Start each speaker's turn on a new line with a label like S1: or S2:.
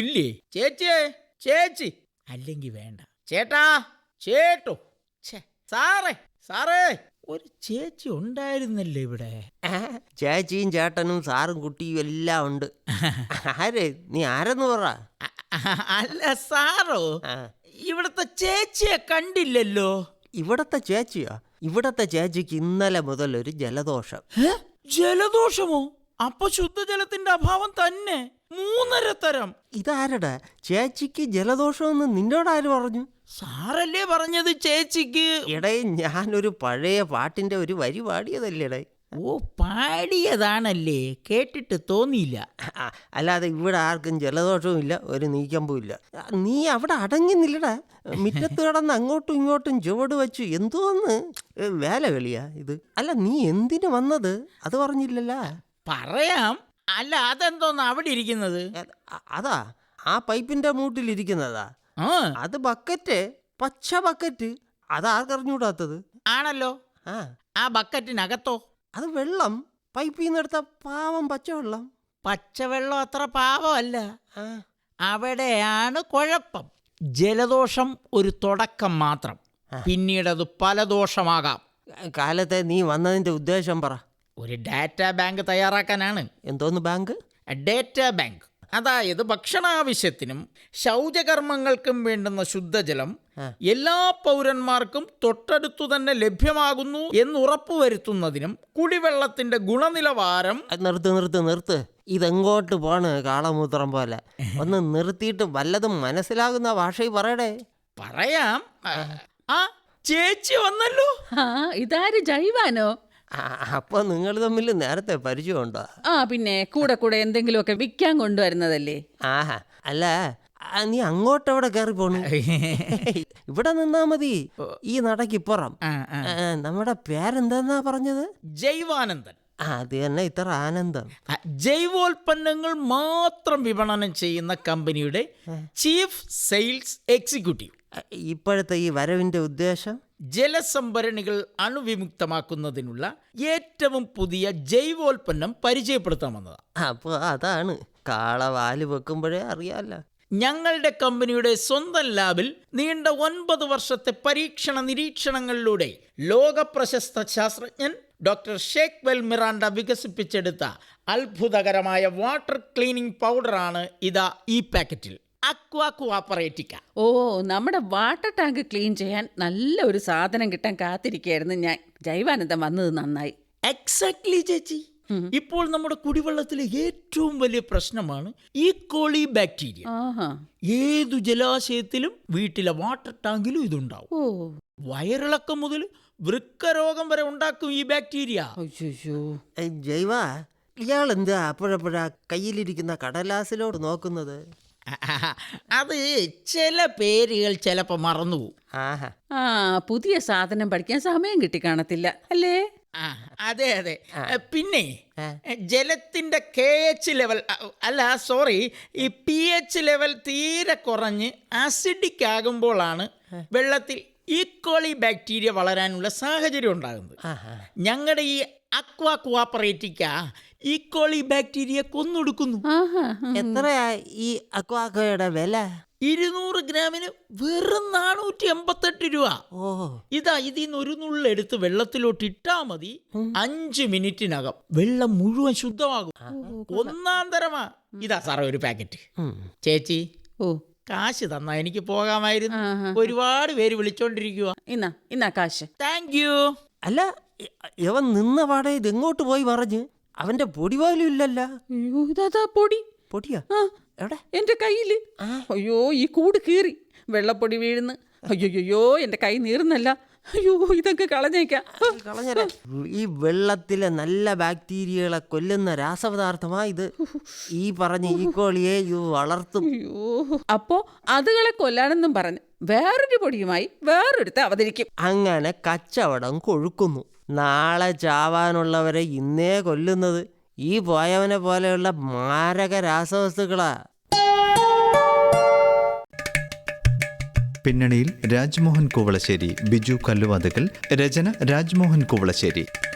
S1: ഇല്ലേ? ചേച്ചിയേ, ചേച്ചി അല്ലെങ്കിൽ വേണ്ട. ചേട്ടാ, ചേട്ടോ, സാറേ, ഒരു ചേച്ചി ഉണ്ടായിരുന്നല്ലേ ഇവിടെ?
S2: ചേച്ചിയും ചേട്ടനും സാറും കുട്ടിയും എല്ലാം ഉണ്ട്. ആര് നീ ആരെന്ന് പറ.
S1: അല്ല സാറോ, ഇവിടത്തെ ചേച്ചിയെ കണ്ടില്ലല്ലോ.
S2: ഇവിടത്തെ ചേച്ചിയോ? ഇവിടത്തെ ചേച്ചിക്ക് ഇന്നലെ മുതൽ ഒരു ജലദോഷം.
S1: ജലദോഷമോ? അപ്പൊ ശുദ്ധജലത്തിന്റെ അഭാവം തന്നെ. 3.5 തരം.
S2: ഇതാരടാ ചേച്ചിക്ക് ജലദോഷമെന്ന് നിന്നോടാര് പറഞ്ഞു?
S1: സാറല്ലേ പറഞ്ഞത് ചേച്ചിക്ക്.
S2: എടേ, ഞാനൊരു പഴയ പാട്ടിന്റെ ഒരു വരി പാടിയതല്ലേടേ.
S1: ഓ, പാടിയതാണല്ലേ, കേട്ടിട്ട് തോന്നിയില്ല.
S2: അല്ലാതെ ഇവിടെ ആർക്കും ജലദോഷവും ഇല്ല, ഒരു നീക്കമ്പും ഇല്ല. നീ അവിടെ അടങ്ങുന്നില്ലടാ. മുറ്റത്ത് കിടന്ന് അങ്ങോട്ടും ഇങ്ങോട്ടും ചുവട് വെച്ചു. എന്തോന്ന് വേല കളിയാ ഇത്? അല്ല, നീ എന്തിനു വന്നത് അത് പറഞ്ഞില്ലല്ലോ.
S1: പറയാം. അല്ല, അതെന്തോന്ന് അവിടെ ഇരിക്കുന്നത്?
S2: അതാ ആ പൈപ്പിന്റെ മൂട്ടിലിരിക്കുന്നതാ. അത് ബക്കറ്റ്, പച്ച ബക്കറ്റ്. അതാർക്കറിഞ്ഞൂടാത്തത്?
S1: ആണല്ലോ. ആ ബക്കറ്റിനകത്തോ?
S2: അത് വെള്ളം, പൈപ്പിൽ നിന്ന് എടുത്ത പാവം പച്ചവെള്ളം.
S1: പച്ചവെള്ളം അത്ര പാവമല്ല. അവിടെയാണ് കുഴപ്പം. ജലദോഷം ഒരു തുടക്കം മാത്രം, പിന്നീടത് പല ദോഷമാകാം.
S2: കാലത്തെ നീ വന്നതിന്റെ ഉദ്ദേശം പറ.
S1: ഒരു ഡാറ്റാ ബാങ്ക് തയ്യാറാക്കാനാണ്.
S2: എന്തോന്ന് ബാങ്ക്?
S1: Data bank. അതായത് ഭക്ഷണാവശ്യത്തിനും ശൗചകർമ്മങ്ങൾക്കും വേണ്ടുന്ന ശുദ്ധജലം എല്ലാ പൗരന്മാർക്കും തൊട്ടടുത്തു തന്നെ ലഭ്യമാകുന്നു എന്നുറപ്പുവരുത്തുന്നതിനും കുടിവെള്ളത്തിന്റെ ഗുണനിലവാരം.
S2: നിർത്ത്. ഇതെങ്ങോട്ട് പോണ് കാളമൂത്രം പോലെ? ഒന്ന് നിർത്തിയിട്ട് വല്ലതും മനസ്സിലാകുന്ന ഭാഷയിൽ പറയടേ.
S1: പറയാം. ചേച്ചി വന്നല്ലോ.
S3: ഇതാര്, ജൈവാനോ?
S2: അപ്പൊ നിങ്ങൾ തമ്മിൽ നേരത്തെ പരിചയമുണ്ടോ?
S3: പിന്നെ കൂടെ എന്തെങ്കിലുമൊക്കെ വിൽക്കാൻ കൊണ്ടുവരുന്നതല്ലേ.
S2: ആഹാ, അല്ല നീ അങ്ങോട്ടെവിടെ കയറി പോണു? ഇവിടെ നിന്നാ മതി, ഈ നടക്കിപ്പുറം. നമ്മുടെ പേരെന്താ പറഞ്ഞത്?
S1: ജൈവാനന്ദൻ.
S2: അത് തന്നെ ഇത്ര ആനന്ദം.
S1: ജൈവോൽപ്പന്നങ്ങൾ മാത്രം വിപണനം ചെയ്യുന്ന കമ്പനിയുടെ ചീഫ് സെയിൽസ് എക്സിക്യൂട്ടീവ്.
S2: ഇപ്പോഴത്തെ ഈ വരവിന്റെ ഉദ്ദേശം
S1: ജലസംഭരണികൾ അണുവിമുക്തമാക്കുന്നതിനുള്ള ഏറ്റവും പുതിയ ജൈവോൽപ്പന്നം പരിചയപ്പെടുത്താമെന്നതാണ്.
S2: അപ്പോൾ അതാണ് കാളവാല് വെക്കുമ്പോഴേ അറിയാലോ.
S1: ഞങ്ങളുടെ കമ്പനിയുടെ സ്വന്തം ലാബിൽ നീണ്ട 9 വർഷത്തെ പരീക്ഷണ നിരീക്ഷണങ്ങളിലൂടെ ലോകപ്രശസ്ത ശാസ്ത്രജ്ഞൻ ഡോക്ടർ ഷേക്ക് വെൽ മിറാണ്ട വികസിപ്പിച്ചെടുത്ത അത്ഭുതകരമായ വാട്ടർ ക്ലീനിങ് പൗഡറാണ് ഇതാ ഈ പാക്കറ്റിൽ. അക്വാ കോപ്പറേറ്റിക്ക.
S3: നമ്മുടെ വാട്ടർ ടാങ്ക് ക്ലീൻ ചെയ്യാൻ നല്ല ഒരു സാധനം കിട്ടാൻ കാത്തിരിക്കുകയായിരുന്നു ഞാൻ. ജൈവാനന്ദം വന്നത് നന്നായി.
S1: എക്സാക്ട്ലി ചേച്ചി. ഇപ്പോൾ നമ്മുടെ കുടിവെള്ളത്തിലെ ഏറ്റവും വലിയ പ്രശ്നമാണ് ഈ കോളി ബാക്ടീരിയ. ഏതു ജലാശയത്തിലും വീട്ടിലെ വാട്ടർ ടാങ്കിലും ഇതുണ്ടാവും. വയറിളക്കം മുതൽ വൃക്കരോഗം വരെ ഉണ്ടാക്കും ഈ ബാക്ടീരിയ.
S2: ജൈവ, ഇയാളെന്താ അപ്പോഴപ്പോഴാ കയ്യിലിരിക്കുന്ന കടലാസിലോട് നോക്കുന്നത്?
S1: അത് ചില പേരുകൾ ചിലപ്പോ മറന്നുപോകും.
S3: പുതിയ സാധനം പഠിക്കാൻ സമയം കിട്ടിക്കാണത്തില്ല അല്ലേ?
S1: അതെ. പിന്നെ ജലത്തിന്റെ KH ലെവൽ ഈ pH ലെവൽ തീരെ കുറഞ്ഞ് ആസിഡിക് ആകുമ്പോഴാണ് വെള്ളത്തിൽ ഈ കോളി ബാക്ടീരിയ വളരാനുള്ള സാഹചര്യം ഉണ്ടാകുന്നത്. ഞങ്ങളുടെ ഈ അക്വാ കോപ്പറേറ്റിക്ക ഈ കോളി ബാക്ടീരിയ കൊന്നൊടുക്കുന്നു.
S2: എത്രയാ ഈ അക്വാക്കോയുടെ വില?
S1: 200 ഗ്രാമിന് വെറും 488 രൂപ. ഇതിന്ന് ഒരു നുള്ളെടുത്ത് വെള്ളത്തിലോട്ട് ഇട്ടാ മതി. 5 മിനിറ്റിനകം വെള്ളം മുഴുവൻ ശുദ്ധമാകും. ഒന്നാം തരമാ. ഇതാ സാറേ ഒരു പാക്കറ്റ്. ചേച്ചി, കാശ് തന്നാ എനിക്ക് പോകാമായിരുന്നു. ഒരുപാട് പേര് വിളിച്ചോണ്ടിരിക്കുക.
S3: ഇന്നാ കാശ്.
S1: Thank you.
S2: അല്ല, ഇവൻ നിന്ന പാടെ ഇതെങ്ങോട്ട് പോയി പറഞ്ഞു? അവന്റെ പൊടി പോലും ഇല്ലല്ലോ. പൊടിയാ എവിടെ?
S3: എന്റെ കയ്യില്. അയ്യോ, ഈ കൂട് കീറി വെള്ളപ്പൊടി വീഴുന്നു. അയ്യോ, എന്റെ കൈ നീറുന്നല്ല. അയ്യോ, ഇതൊക്കെ കളഞ്ഞേക്കാം.
S2: ഈ വെള്ളത്തിലെ നല്ല ബാക്ടീരിയകളെ കൊല്ലുന്ന രാസപദാർത്ഥമാ ഇത്. ഈ പറഞ്ഞ ഈ കോളിയെ വളർത്തും.
S3: അപ്പോ അതുകളെ കൊല്ലാനെന്നും പറഞ്ഞ് വേറൊരു പൊടിയുമായി വേറൊരുത്തെ അവതരിക്കും.
S2: അങ്ങനെ കച്ചവടം കൊഴുക്കുന്നു. നാളെ ചാവാനുള്ളവരെ ഇന്നേ കൊല്ലുന്നത് ഈ പോയവനെ പോലെയുള്ള മാരക രാസവസ്തുക്കളാ.
S4: പിന്നണിയിൽ രാജ്മോഹൻ കുവളശ്ശേരി, ബിജു കല്ലുവാതുക്കൽ, രചന രാജ്മോഹൻ കുവളശ്ശേരി.